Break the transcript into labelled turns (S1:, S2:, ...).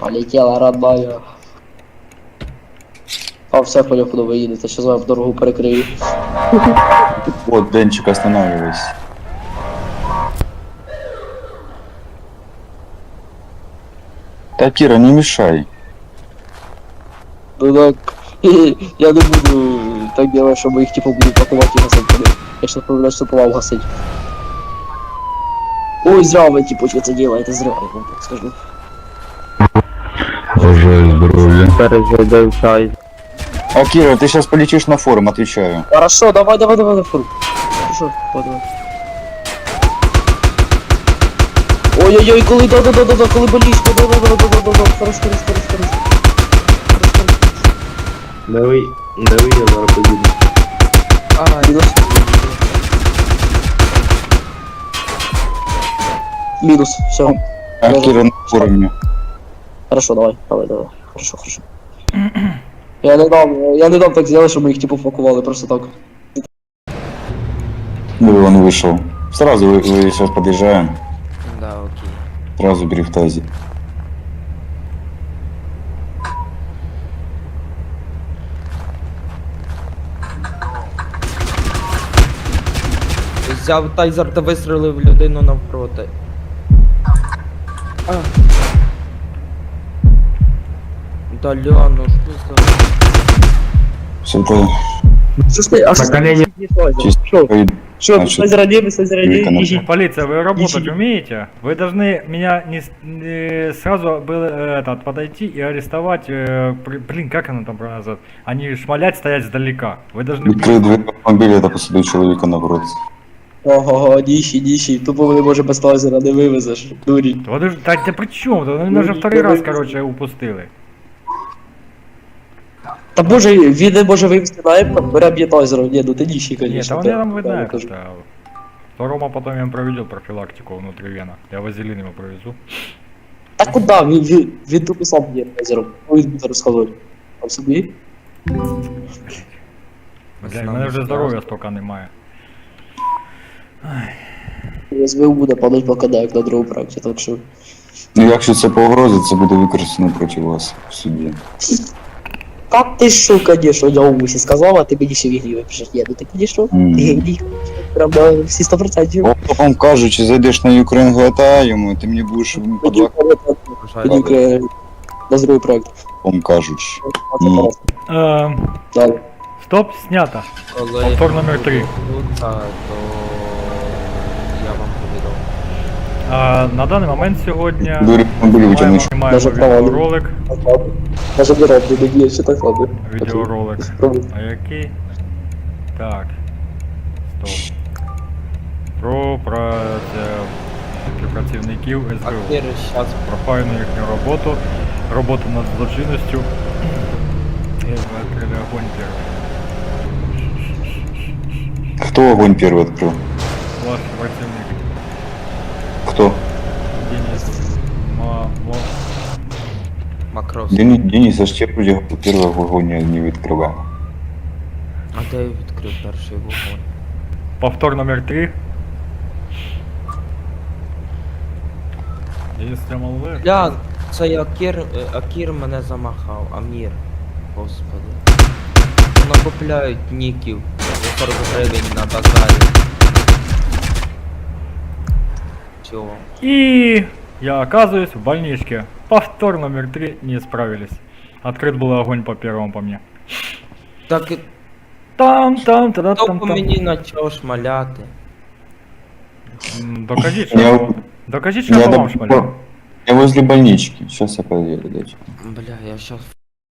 S1: Полетела, родная. А все, понял, куда вы едете, сейчас вам дорогу перекрию.
S2: Вот, Денчик, останавливайся. Так, Кира, не мешай.
S1: Ну так, я не буду так делать, что мы их типа будем паковать и гасить. Я сейчас отправляю, что плав гасить. Ой, зря вы типа что это делаете, зря, я вам так скажу.
S3: Желаю здоровья.
S4: Пережидаю чай.
S2: А, Кира, ты сейчас полетишь на форум, отвечаю.
S1: Хорошо, давай, фу. Хорошо, давай. Ой-ой-ой, коли, да, коли болішка, да, хорошо.
S4: Не ви, я зараз поїду.
S1: Минус, все.
S2: А, Кира, на форуме.
S1: Хорошо, давай. Хорошо. Я не дам так сделать, чтобы мы их типа пакували, просто так.
S2: Ну, он вышел. Сразу вы сейчас подъезжаем.
S5: Да, окей.
S2: Сразу бери в тазе.
S5: Взяв тайзер та вистрелив людину навпроти. Да ляну, що за...
S2: Все это
S1: Что
S4: колени.
S2: чисто.
S1: Что,
S2: Значит,
S1: заранее,
S6: Полиция, вы работать умеете? Вы должны меня сразу было подойти и арестовать. Блин, как оно там назад? Они шмалять, стоять сдалека. Вы должны...
S2: Відкрив двері автомобіля та посадив чоловіка на вороті.
S1: Ого, нищий, тупо не може без тазера, не вивезеш, дурень.
S6: Так ты при чем? Они уже второй раз, короче, упустили.
S1: Та боже, він не може вивезти на бере б'є тазером, ні, ну ти нищий,
S6: Нет,
S1: конечно.
S6: а он
S1: ти.
S6: там видно
S1: Я кажу.
S6: это. Рома потом им проведет профилактику внутривенно. Я вазелин ему провезу.
S1: Та куди? Він тупо сам б'є тазером. Ну, він буде розказувати. А собі?
S6: Бля, у мене вже здоров'я столько немає.
S1: СБУ буде падати по КД, як на другому проекті, так що...
S2: Ну, якщо це погроза, це буде використано проти вас в суді.
S1: Та ти що, конечно, я у Мусі сказав, а ти мені ще в ігрі випишеш. Ні, ну ти, конечно, ти геній. Прям на всі 100%.
S2: О, вам кажучи, зайдеш на Ukraine GTA йому, ти мені будеш
S1: Тоді на другий проект.
S2: вам кажучи.
S1: Так.
S6: Стоп, снято.
S5: Коли
S6: Повтор номер 3.
S5: тут, то я вам повідомлю.
S6: На даний момент сьогодні
S2: Двері автомобіля витягнеш.
S6: маємо
S1: Даже
S6: відеоролик.
S1: Даже не роблю, мені ще так ладно.
S6: Відеоролик. А який? Так. Стоп. Про працівників
S5: А
S6: СБУ.
S5: Кир щас
S6: Про файну їхню роботу над злочинністю. І відкрили огонь перший.
S2: Хто огонь перший відкрив?
S6: Ваш працівник.
S2: Хто?
S6: Денис
S5: Макрос.
S2: Денис аж вроде перший огонь не відкривав.
S5: А де я відкрив перший вогонь?
S6: Повтор номер 3. Денис Тямалве.
S5: Бля, це Акір мене замахав, Амір. Господи. Накупляють ніків за 40 гривень на базарі. Чого?
S6: И я оказываюсь в больничке. Повтор номер 3 не справились. Открыт был огонь по первому по мне.
S5: Так і
S6: Там,
S5: хто
S6: там.
S5: по мені почав шмаляти?
S6: Докажите,
S2: Я-
S6: что... Докажите, что я по вам шмалял.
S2: Я возле больнички. Сейчас я проверю, дайте.
S5: Бля, я щас